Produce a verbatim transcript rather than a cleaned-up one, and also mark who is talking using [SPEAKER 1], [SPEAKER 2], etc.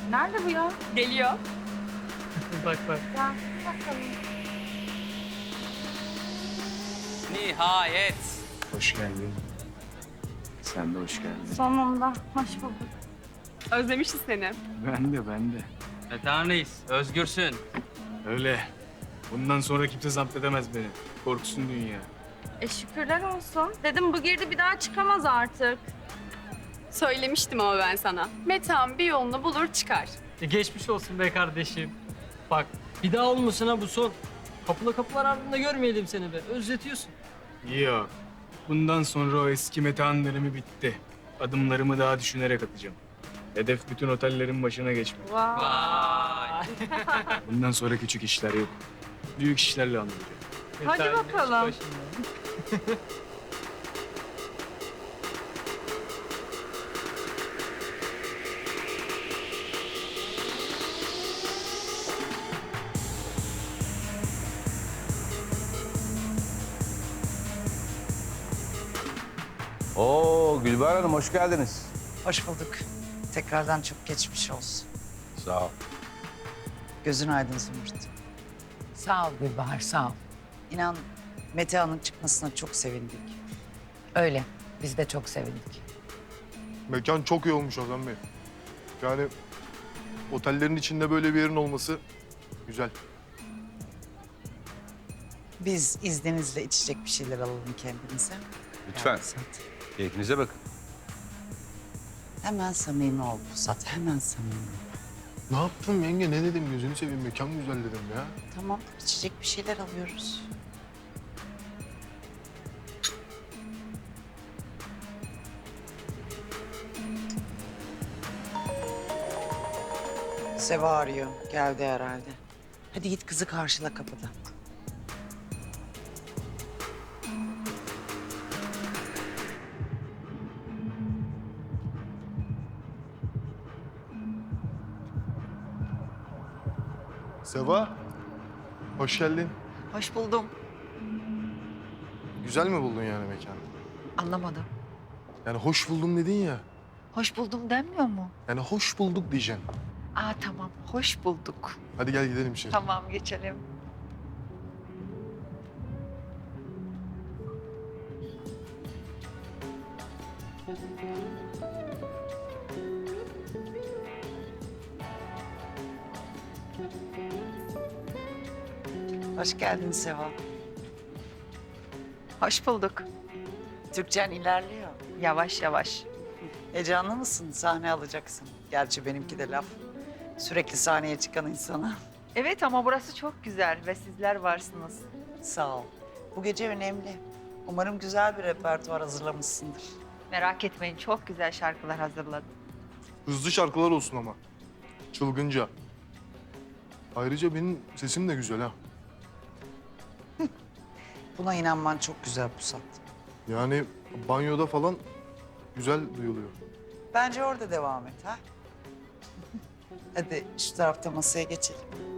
[SPEAKER 1] Nerede bu ya?
[SPEAKER 2] Geliyor.
[SPEAKER 3] Bak bak.
[SPEAKER 1] Ya bakalım.
[SPEAKER 4] Nihayet.
[SPEAKER 5] Hoş geldin. Sen de hoş geldin.
[SPEAKER 1] Sonunda. Hoş bulduk.
[SPEAKER 2] Özlemişiz seni.
[SPEAKER 5] Ben de, ben de.
[SPEAKER 4] Metehan Reis, özgürsün.
[SPEAKER 5] Öyle. Bundan sonra kimse zapt edemez beni. Korksun dünya.
[SPEAKER 1] E şükürler olsun. Dedim bu girdi bir daha çıkamaz artık.
[SPEAKER 2] Söylemiştim ama ben sana. Metehan bir yolunu bulur çıkar.
[SPEAKER 3] E, geçmiş olsun be kardeşim. Bak bir daha olmasın ha bu son. Kapıla kapılar ardında görmeyelim seni be. Özletiyorsun.
[SPEAKER 5] Yok. Bundan sonra o eski Metehan dönemi bitti. Adımlarımı daha düşünerek atacağım. Hedef bütün otellerin başına geçmek.
[SPEAKER 1] Vay.
[SPEAKER 4] Vay.
[SPEAKER 5] Bundan sonra küçük işler yok. Büyük işlerle anlayacağım.
[SPEAKER 1] Hadi
[SPEAKER 3] Metehan
[SPEAKER 1] bakalım.
[SPEAKER 3] iş başında.
[SPEAKER 6] Oo Gülbahar Hanım hoş geldiniz.
[SPEAKER 7] Hoş bulduk. Tekrardan çok geçmiş olsun.
[SPEAKER 6] Sağ ol.
[SPEAKER 7] Gözün aydın Zümrüt.
[SPEAKER 8] Sağ ol Gülbahar, sağ ol.
[SPEAKER 7] İnan Metehan'ın çıkmasına çok sevindik.
[SPEAKER 8] Öyle, biz de çok sevindik.
[SPEAKER 9] Mekan çok iyi olmuş Ozan Bey. Yani otellerin içinde böyle bir yerin olması güzel.
[SPEAKER 7] Biz izninizle içecek bir şeyler alalım kendimize.
[SPEAKER 6] Lütfen.
[SPEAKER 7] Ya Pusat,
[SPEAKER 6] Keyfinize bakın.
[SPEAKER 7] hemen samimi ol Pusat, hemen samimi.
[SPEAKER 9] Ne yaptım yenge ne dedim gözünü seveyim mekan güzel dedim ya.
[SPEAKER 7] Tamam, içecek bir şeyler alıyoruz. Seva arıyor, geldi herhalde. Hadi git kızı karşıla kapıda.
[SPEAKER 9] Seva, hoş geldin.
[SPEAKER 8] Hoş buldum.
[SPEAKER 9] Güzel mi buldun yani mekanı?
[SPEAKER 8] Anlamadım.
[SPEAKER 9] Yani hoş buldum dedin ya.
[SPEAKER 8] Hoş buldum denmiyor mu?
[SPEAKER 9] Yani hoş bulduk diyeceksin.
[SPEAKER 8] Aa tamam, hoş bulduk.
[SPEAKER 9] Hadi gel gidelim içeri.
[SPEAKER 8] Tamam, geçelim.
[SPEAKER 7] Hoş geldin Seva.
[SPEAKER 8] Hoş bulduk.
[SPEAKER 7] Türkçen ilerliyor.
[SPEAKER 8] Yavaş yavaş.
[SPEAKER 7] Heyecanlı mısın? Sahne alacaksın. Gerçi benimki de laf. Sürekli sahneye çıkan insana.
[SPEAKER 8] Evet ama burası çok güzel ve sizler varsınız.
[SPEAKER 7] Sağ ol. Bu gece önemli. Umarım güzel bir repertuar hazırlamışsındır.
[SPEAKER 8] Merak etmeyin, çok güzel şarkılar hazırladım.
[SPEAKER 9] Hızlı şarkılar olsun ama. Çılgınca. Ayrıca benim sesim de güzel ha.
[SPEAKER 7] Buna inanman çok güzel Pusat.
[SPEAKER 9] Yani banyoda falan güzel duyuluyor.
[SPEAKER 7] Bence orada devam et ha. Hadi şu tarafta masaya geçelim.